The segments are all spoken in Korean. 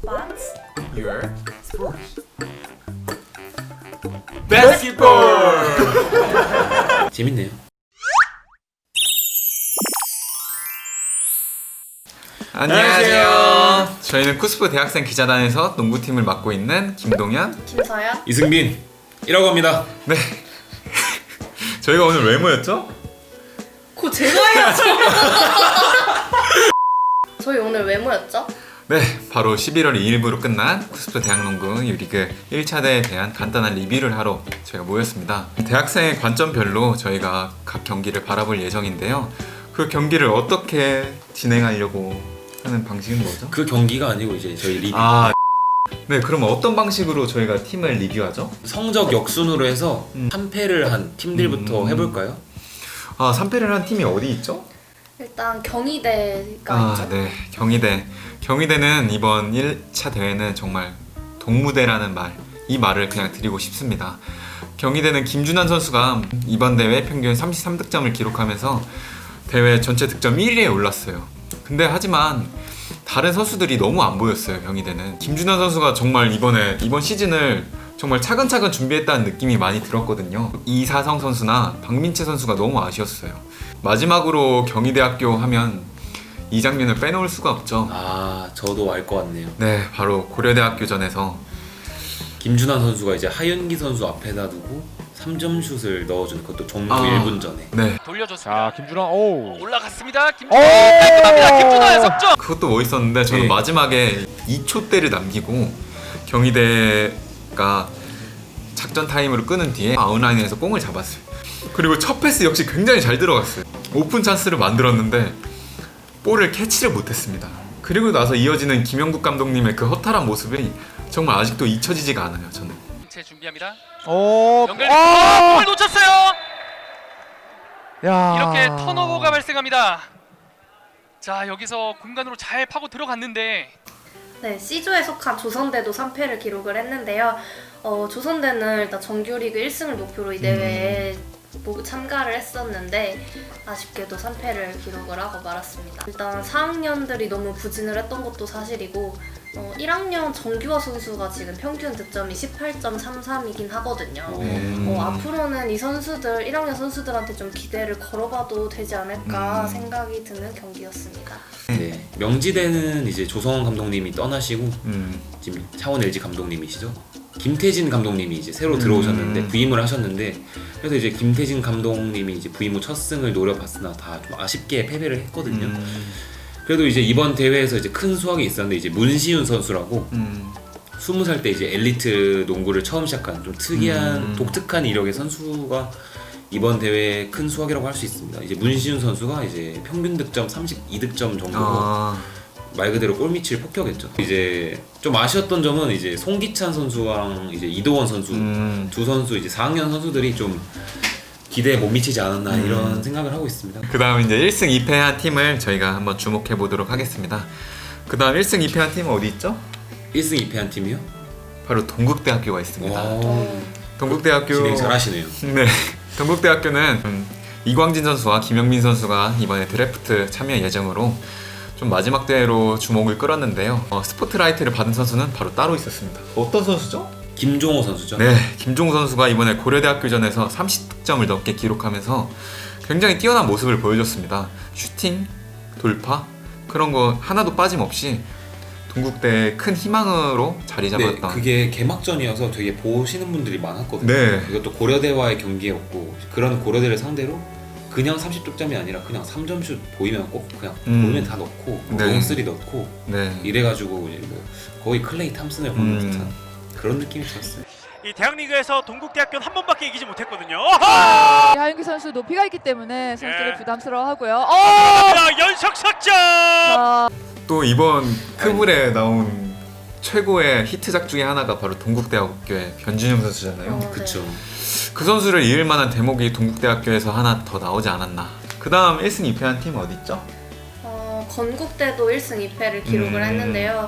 What's your sport? basketball. 재밌네요. 안녕하세요. 저희는 쿠스프 대학생 기자단에서 농구팀을 맡고 있는 김동현, 김서연? 이승빈이라고 합니다. 네. 저희가 오늘 왜 모였죠? 그거 제가 해야죠. 저희 오늘 왜 모였죠? 네, 바로 11월 2일부로 끝난 쿠스프 대학농구 U리그 1차대에 대한 간단한 리뷰를 하러 저희가 모였습니다. 대학생의 관점별로 저희가 각 경기를 바라볼 예정인데요. 그 경기를 어떻게 진행하려고 하는 방식은 뭐죠? 그 경기가 아니고 이제 저희 리뷰. 네, 그럼 어떤 방식으로 저희가 팀을 리뷰하죠? 성적 역순으로 해서 3패를 한 팀들부터 해볼까요? 3패를 한 팀이 어디 있죠? 일단 경희대가 있죠. 네, 경희대. 경희대는 이번 1차 대회는 정말 동무대라는 이 말을 그냥 드리고 싶습니다. 경희대는 김준환 선수가 이번 대회 평균 33득점을 기록하면서 대회 전체 득점 1위에 올랐어요. 근데 하지만 다른 선수들이 너무 안 보였어요. 경희대는 김준환 선수가 정말 이번 시즌을 정말 차근차근 준비했다는 느낌이 많이 들었거든요. 이사성 선수나 박민채 선수가 너무 아쉬웠어요. 마지막으로 경희대학교 하면 이 장면을 빼놓을 수가 없죠. 저도 알 것 같네요. 네, 바로 고려대학교전에서 김준환 선수가 이제 하윤기 선수 앞에다 두고 3점 슛을 넣어준 그것도 종료 1분 전에. 네, 자, 돌려줬습니다. 김준환, 오. 올라갔습니다. 김준환 깔끔합니다. 김준환의 석점. 그것도 멋있었는데 저는 네. 마지막에 2초대를 남기고 경희대가 작전 타임으로 끄는 뒤에 아웃라인에서 공을 잡았어요. 그리고 첫 패스 역시 굉장히 잘 들어갔어요. 오픈 찬스를 만들었는데 볼을 캐치를 못했습니다. 그리고 나서 이어지는 김영국 감독님의 그 허탈한 모습이 정말 아직도 잊혀지지가 않아요. 저는. 제 준비합니다. 오. 연결. 공을 놓쳤어요. 야. 이렇게 턴오버가 발생합니다. 자, 여기서 공간으로 잘 파고 들어갔는데 네, C조에 속한 조선대도 3패를 기록을 했는데요. 조선대는 일단 정규리그 1승을 목표로 이 대회에 참가를 했었는데 아쉽게도 3패를 기록을 하고 말았습니다. 일단 4학년들이 너무 부진을 했던 것도 사실이고 1학년 정규화 선수가 지금 평균 득점이 18.33이긴 하거든요. 앞으로는 이 선수들, 1학년 선수들한테 좀 기대를 걸어봐도 되지 않을까 생각이 드는 경기였습니다. 네. 명지대는 이제 조성원 감독님이 떠나시고 지금 차원 LG 감독님이시죠. 김태진 감독님이 이제 새로 들어오셨는데 부임을 하셨는데, 그래서 이제 김태진 감독님이 이제 부임 후 첫 승을 노려봤으나 다 좀 아쉽게 패배를 했거든요. 그래도 이제 이번 대회에서 이제 큰 수확이 있었는데, 이제 문시윤 선수라고 20살 때 이제 엘리트 농구를 처음 시작한 좀 특이한 독특한 이력의 선수가 이번 대회의 큰 수확이라고 할 수 있습니다. 이제 문시윤 선수가 이제 평균 득점 32득점 정도로 말 그대로 골밑을 폭격했죠. 이제 좀 아쉬웠던 점은 이제 송기찬 선수랑 이제 이도원 선수 두 선수 이제 4학년 선수들이 좀 기대에 못 미치지 않았나 이런 생각을 하고 있습니다. 그 다음 이제 1승 2패한 팀을 저희가 한번 주목해 보도록 하겠습니다. 그 다음 1승 2패한 팀은 어디 있죠? 1승 2패한 팀이요? 바로 동국대학교가 있습니다. 와, 동국대학교 진행 잘하시네요. 네, 동국대학교는 이광진 선수와 김영민 선수가 이번에 드래프트 참여 예정으로 좀 마지막 대회로 주목을 끌었는데요. 스포트라이트를 받은 선수는 바로 따로 있었습니다. 어떤 선수죠? 김종호 선수죠. 네, 김종호 선수가 이번에 고려대학교전에서 30득점을 넘게 기록하면서 굉장히 뛰어난 모습을 보여줬습니다. 슈팅, 돌파 그런 거 하나도 빠짐없이 동국대의 큰 희망으로 자리 잡았던. 네, 그게 개막전이어서 되게 보시는 분들이 많았거든요. 네. 이것도 고려대와의 경기였고, 그런 고려대를 상대로 그냥 30득점이 아니라 그냥 3점슛 보이면 꼭 그냥 보이면 다 넣고 네. 롱쓰리 넣고 네. 이래가지고 이제 뭐 거의 클레이 탐슨을 보는 듯한 그런 느낌이 들었어요. 이 대학리그에서 동국대학교는 한 번밖에 이기지 못했거든요. 하윤기 선수 높이가 있기 때문에 선수들이 네. 부담스러워하고요. 연속 석점. 또 이번 크블에 나온 최고의 히트작 중에 하나가 바로 동국대학교의 변준영 선수잖아요. 그쵸. 그 선수를 이을 만한 대목이 동국대학교에서 하나 더 나오지 않았나. 그 다음 1승 2패한 팀 어디 있죠? 건국대도 1승 2패를 기록을 했는데요.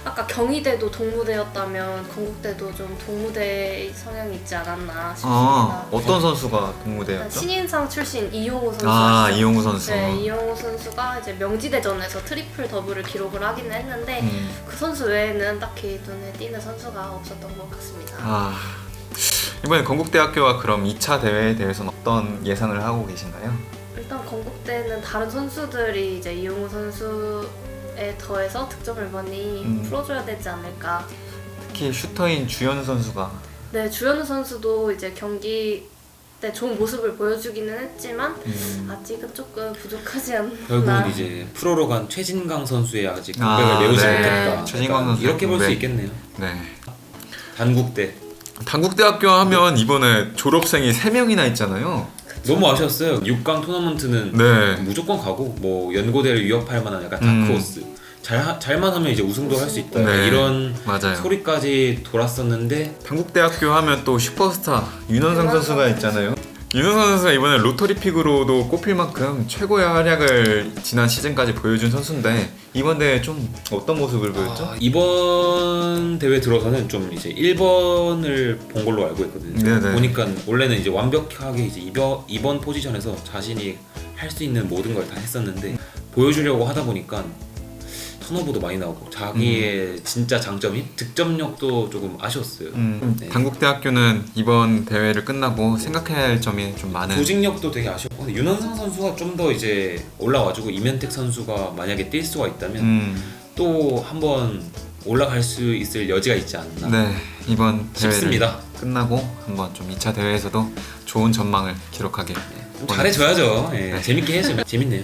아까 경희대도 동무대였다면 건국대도 좀 동무대 성향이 있지 않았나 싶습니다. 어떤 선수가 동무대였죠? 신인상 출신 이용호 선수 아, 아시죠? 이용우 선수. 네, 이용호 선수가 이제 명지대전에서 트리플 더블을 기록을 하기는 했는데 그 선수 외에는 딱히 눈에 띄는 선수가 없었던 것 같습니다. 아, 이번에 건국대학교와 그럼 2차 대회에 대해서는 어떤 예상을 하고 계신가요? 일단 건국대는 다른 선수들이 이제 이용호 선수에 더해서 득점을 많이 풀어줘야 되지 않을까. 특히 슈터인 주현 선수가 네, 주현우 선수도 이제 경기 때 좋은 모습을 보여주기는 했지만 아직은 조금 부족하지 않나. 결국은 이제 프로로 간 최진강 선수의 아직 공백을 아, 메우지 네. 못했다. 최진강 약간 선수 이렇게 볼 수 공백. 있겠네요. 네. 단국대 단국대학교 하면 이번에 졸업생이 3명이나 있잖아요. 너무 아쉬웠어요. 6강 토너먼트는 네. 무조건 가고 뭐 연고대를 위협할 만한 약간 다크호스 잘만 하면 이제 우승도 할 수 있다. 네. 이런 맞아요. 소리까지 돌았었는데 단국대학교 하면 또 슈퍼스타 윤원상 선수가 있잖아요. 윤원상 선수가 이번에 로터리 픽으로도 꼽힐 만큼 최고의 활약을 지난 시즌까지 보여준 선수인데 이번 대회 좀 어떤 모습을 보였죠? 이번 대회 들어서는 좀 이제 1번을 본 걸로 알고 있거든요. 네네. 보니까 원래는 이제 완벽하게 이제 이번 포지션에서 자신이 할 수 있는 모든 걸 다 했었는데 보여주려고 하다 보니까 턴오버도 많이 나오고 자기의 진짜 장점인 득점력도 조금 아쉬웠어요. 네. 단국대학교는 이번 대회를 끝나고 생각해야 할 점이 좀 많은. 조직력도 되게 아쉬웠고 근데 윤원상 선수가 좀 더 이제 올라와주고 이면택 선수가 만약에 뛸 수가 있다면 또 한번 올라갈 수 있을 여지가 있지 않나 네, 이번 대회를 싶습니다. 끝나고 한번 좀 2차 대회에서도 좋은 전망을 기록하게. 좀 잘해줘야죠. 예, 네. 재밌게 해야죠. 재밌네요.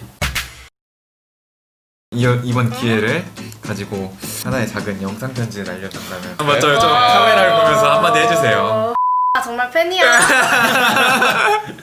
이번 기회를 가지고 하나의 작은 영상 편지를 알려준다면. 맞죠, 좀 카메라를 보면서 한마디 해주세요. 정말 팬이야.